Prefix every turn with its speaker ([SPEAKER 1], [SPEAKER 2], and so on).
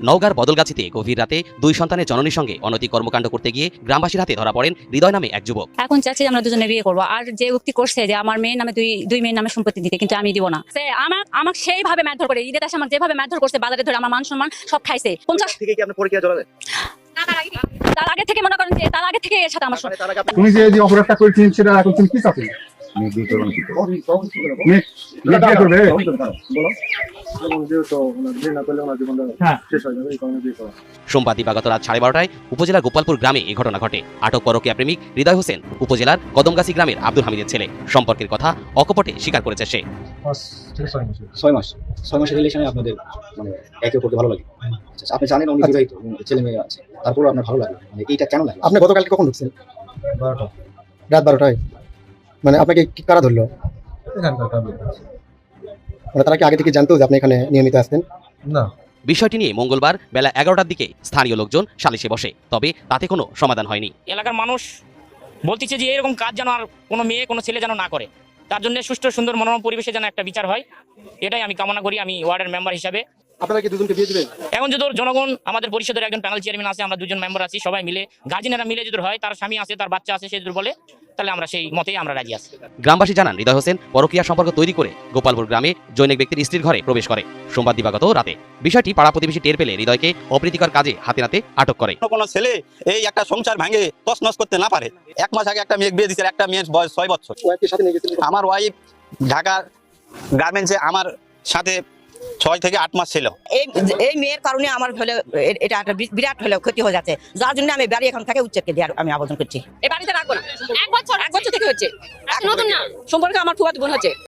[SPEAKER 1] নওগাঁর বদলগাছিতে গভীর রাতে দুই সন্তানের জননীর সঙ্গে অনৈতিক কর্মকাণ্ড করতে গিয়ে গ্রামবাসীর হাতে ধরা পড়েন হৃদয় নামে এক যুবক।
[SPEAKER 2] এখন চাচ্ছি আমরা দুজনে বিয়ে করবো, আর যে উক্তি করছে যে আমার মেয়ের নামে দুই মেয়ের নামে সম্পত্তি দিতে, কিন্তু আমি দিব না। সে আমাকে সেইভাবে মারধর করে, ঈদের আসে আমাকে যেভাবে মারধর করছে, বাজারে ধরে আমার মান সম্মান সব খাইছে। 50
[SPEAKER 3] থেকে কি আপনি পরকীয়া জড়ালেন?
[SPEAKER 2] তার আগে থেকে মনে করেন যে তার আগে থেকে এর সাথে আমার
[SPEAKER 4] তুমি যে অপরাধটা করেছিস সেটা এখন তুমি কি চাচ্ছ?
[SPEAKER 1] সোমবার দিবাগত রাত 12:30টায় উপজেলার গোপালপুর গ্রামে এই ঘটনা ঘটে। আটক পরকীয়া প্রেমিক হৃদয় হোসেন উপজেলার কদমগাছি গ্রামের আব্দুল হামিদের ছেলে। সম্পর্কের কথা অকপটে স্বীকার করেছে সে।
[SPEAKER 5] 6 মাসের রিলেশনে আপনাদের মানে একে অপরকে ভালো লাগে। আচ্ছা, আপনি জানেন উনি বিবাহিত, ছেলে মেয়ে আছে, তারপর আপনার ভালো লাগে, মানে এইটা কেন লাগে?
[SPEAKER 4] আপনি গতকালকে কখন ঢুকছেন?
[SPEAKER 6] 12টা
[SPEAKER 4] রাত 12টায়। মানে আপনাকে কারা ধরলো? মানে তারা কি আগে থেকে জানতো যে আপনি এখানে নিয়মিত আসতেন?
[SPEAKER 6] না।
[SPEAKER 1] বিষয়টি নিয়ে মঙ্গলবার বেলা 11টার দিকে স্থানীয় লোকজন সালিশে বসে, তবে তাতে কোনো সমাধান হয়নি।
[SPEAKER 7] এলাকার মানুষ বলতেছে যে এরকম কাজ যেন আর কোনো মেয়ে কোনো ছেলে যেন না করে, তার জন্য সুষ্ঠু সুন্দর মনোরম পরিবেশে যেন একটা বিচার হয়, এটাই আমি কামনা করি আমি ওয়ার্ডের মেম্বার হিসাবে।
[SPEAKER 4] আপনারা কি দুজনকে বিয়ে দিবেন?
[SPEAKER 7] এখন যদি জনগণ, আমাদের পরিষদের একজন প্যানেল চেয়ারম্যান আছে, আমরা দুজন মেম্বার আছি, সবাই মিলে গার্জেনেরা মিলে যদি হয়, তার স্বামী আছে, তার বাচ্চা আছে, সে যদি বলে তাহলে আমরা সেই মতেই আমরা রাজি আছি।
[SPEAKER 1] গ্রামবাসী জানান হৃদয় হোসেন পরকীয়া সম্পর্ক তৈরি করে গোপালপুর গ্রামে জৈনিক ব্যক্তির স্ত্রীর ঘরে প্রবেশ করে সোমবার দিবাগত রাতে। বিষয়টি পাড়া প্রতিবেশী টের পেলে হৃদয়কে অপ্রীতিকর কাজে হাতে নাতে আটক করে।
[SPEAKER 3] কোনো ছেলে এই একটা সংসার ভাঙে তছনছ করতে না পারে। 1 মাস আগে একটা মেয়ে বিয়ে দিয়েছে, একটা মেয়ের বয়স 6 বছর।
[SPEAKER 4] ওয়াইফের সাথে নিয়ে গেছিলেন?
[SPEAKER 3] আমার ওয়াইফ ঢাকা গার্মেন্টসে আমার সাথে 6 থেকে 8 মাস ছিল।
[SPEAKER 8] এই মেয়ের কারণে আমার হলে এটা একটা বিরাট হলে ক্ষতি হয়ে যাচ্ছে, যার জন্য আমি বাড়ি এখন থেকে উচ্ছেদকে দিয়ে আমি আবেদন করছি।
[SPEAKER 2] এই বাড়িতে রাখবো না। 1 বছর থেকে হচ্ছে, নতুন না সম্পর্কে আমার ফুফাতো বোন হচ্ছে।